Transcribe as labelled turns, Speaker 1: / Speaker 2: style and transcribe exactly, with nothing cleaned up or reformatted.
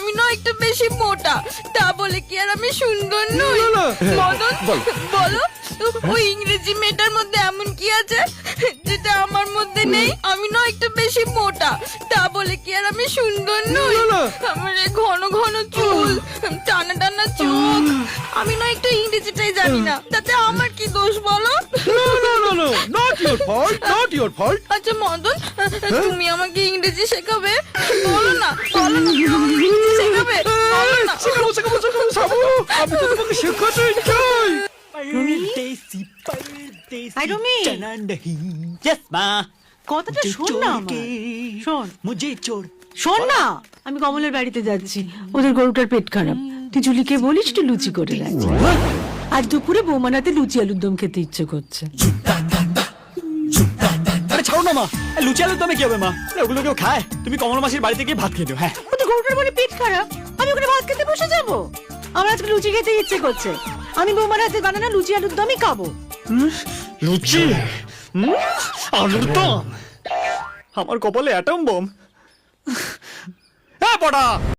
Speaker 1: আমি না একটু বেশি মোটা, তা বলে কি আর আমি সুন্দর নই? মদন বলো, ওই ইংরেজি মেয়েটার মধ্যে এমন কি আছে যেটা আমার মধ্যে নেই? আমি না একটু বেশি মোটা, তা বলে কি আর আমি সুন্দর নই? আমার এই ঘন ঘন চুল, টানা টানা চোখ, আমি না একটু ইংরেজিটাই জানি না, তাতে আমার কি দোষ বলো?
Speaker 2: Not your fault, not your fault.
Speaker 1: আচ্ছা মদন, তুমি আমাকে ইংরেজি শেখাবে? বলো না, বলো না, তুমি আমাকে ইংরেজি শেখাবে? বলো না।
Speaker 2: শেখাবো শেখাবো শেখাবো সাবু, আমি তো তোমাকে শেখাতে চাই।
Speaker 3: परदेसी परदेसी
Speaker 4: आई डोंट मीन।
Speaker 3: चना नहीं यस माँ
Speaker 4: কথাটা
Speaker 3: मुझे
Speaker 4: শোন
Speaker 3: छोड़
Speaker 4: না আমার।
Speaker 3: के
Speaker 4: শোন
Speaker 3: मुझे छोड़
Speaker 4: শোন না, আমি কমলের বাড়িতে যাচ্ছি, ওদের গরুটার পেট খারাপ। তুই জুলিকে বলিস একটু লুচি করে রাখছি। আজ দুপুরে বৌমানাতে লুচি আলুর দম খেতে ইচ্ছে করছে।
Speaker 3: আরে ছাড়ো না মা, এ লুচি আলুর দমে কি হবে মা? আরে ওগুলো কেউ খায়? তুমি কমল মাসির বাড়িতে গিয়ে ভাত খেয়ে দিও। হ্যাঁ
Speaker 4: ওদের গরুটার বলে পেট খারাপ, আমি ওখানে ভাত খেতে বসে যাবো? আমার আজকে লুচি খেতে ইচ্ছে করছে, আমি বৌমার হাতে বানানো লুচি আলুর দমই খাবো।
Speaker 3: লুচি হুম? আলুর দম, আমার কপালে অ্যাটম বোম। হ্যাঁ পড়া